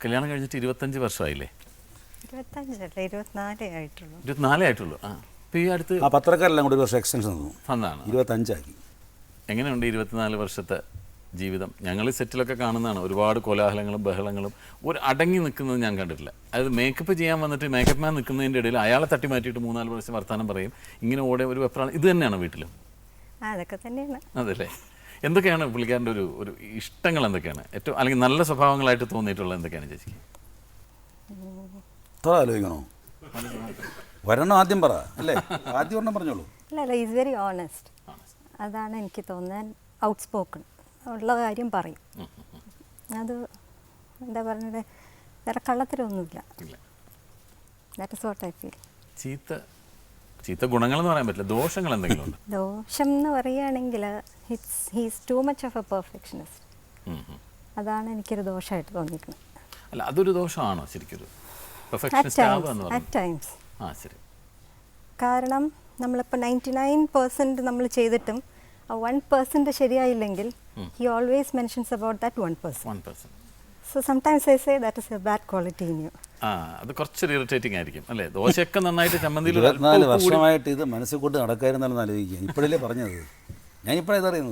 കല്യാണം കഴിഞ്ഞിട്ട് 25 വർഷമായില്ലേ? 24 ആയിട്ടുള്ളൂ. 24 ആയിട്ടുള്ളൂ. ആ, അപ്പോൾ ഈ അടുത്ത് ആ പത്രക്കാരെല്ലാം കൂടി ഒരു വർഷം എക്സ്റ്റൻഷൻ തന്നു, വന്നാണ്. 25 ആക്കി. എങ്ങനെയുണ്ട് 24 വർഷത്തെ ജീവിതം? ഞങ്ങൾ സെറ്റിലൊക്കെ കാണുന്നതാണ്, ഒരുപാട് കോലാഹലങ്ങളും ബഹളങ്ങളും. ഒരു അടങ്ങി നിൽക്കുന്നത് ഞാൻ കണ്ടിട്ടില്ല. അതായത് മേക്കപ്പ് ചെയ്യാൻ വന്നിട്ട് മേക്കപ്പ് മാൻ നിൽക്കുന്നതിൻ്റെ ഇടയിൽ അയാളെ തട്ടി മാറ്റിയിട്ട് 3-4 പ്രാവശ്യം വർത്തമാനം പറയും. ഇങ്ങനെ ഓടെ ഒരു വെപ്രാളം. ഇത് തന്നെയാണ് വീട്ടിലും? അതൊക്കെ തന്നെയാണ്. അതല്ലേ. എന്തൊക്കെയാണ് പുള്ളിക്കാരൻ്റെ ഒരു ഇഷ്ടങ്ങൾ എന്തൊക്കെയാണ് ഏറ്റവും, അല്ലെങ്കിൽ നല്ല സ്വഭാവങ്ങളായിട്ട് തോന്നിയിട്ടുള്ളത് എന്തൊക്കെയാണ് ചേച്ചിക്ക്? അത്ര ആലോചിക്കണോ? വരണം ആദ്യം പറ അല്ലേ? ആദ്യം ഒരെണ്ണം പറഞ്ഞോളൂ. അല്ല, ഈസ് വെരി ഓണസ്റ്റ്. അതാണ് എനിക്ക് തോന്നാൻ. ഔട്ട് സ്പോക്കൺ, ഉള്ള കാര്യം പറയും. അത് എന്താ പറഞ്ഞത്, വേറെ കള്ളത്തരമൊന്നുമില്ല. That is what I feel. ചീത്ത ഗുണങ്ങളെന്ന് പറയാൻ പറ്റില്ല, ദോഷങ്ങൾ എന്തെങ്കിലും ഉണ്ട്? ദോഷം എന്ന് പറയുകയാണെങ്കിൽ he's too much of a perfectionist. അതാണ് എനിക്കൊരു ദോഷമായിട്ട് തോന്നിയിരിക്കുന്നത്. അല്ല, അതൊരു ദോഷമാണോ ശരിക്കൊരു പെർഫെക്ഷനിസ്റ്റ് ആവുക എന്ന് അറ്റ് പറയുന്നത്? ടൈംസ്. ആ, ശരി. കാരണം നമ്മളിപ്പോൾ 99% നമ്മൾ ചെയ്തിട്ടും ആ 1% ശരിയായില്ലെങ്കിൽ he always mentions about that 1%. 1%. So sometimes I say that is a bad quality in you. ആ, അത് കുറച്ചൊരു ഇറിറ്റേറ്റിംഗ് ആയിരിക്കും അല്ലേ? ദോശയൊക്കെ നന്നായിട്ട് ചമ്മന്തിയിൽ 24 വർഷമായിട്ട് ഇത് മനസ്സിൽ കൊണ്ട് നടക്കായിരുന്നാലും ആലോചിക്കുക. ഇപ്പോഴല്ലേ പറഞ്ഞത്, ഞാൻ ഇപ്പോഴാണ് ഇതറിയുന്നത്.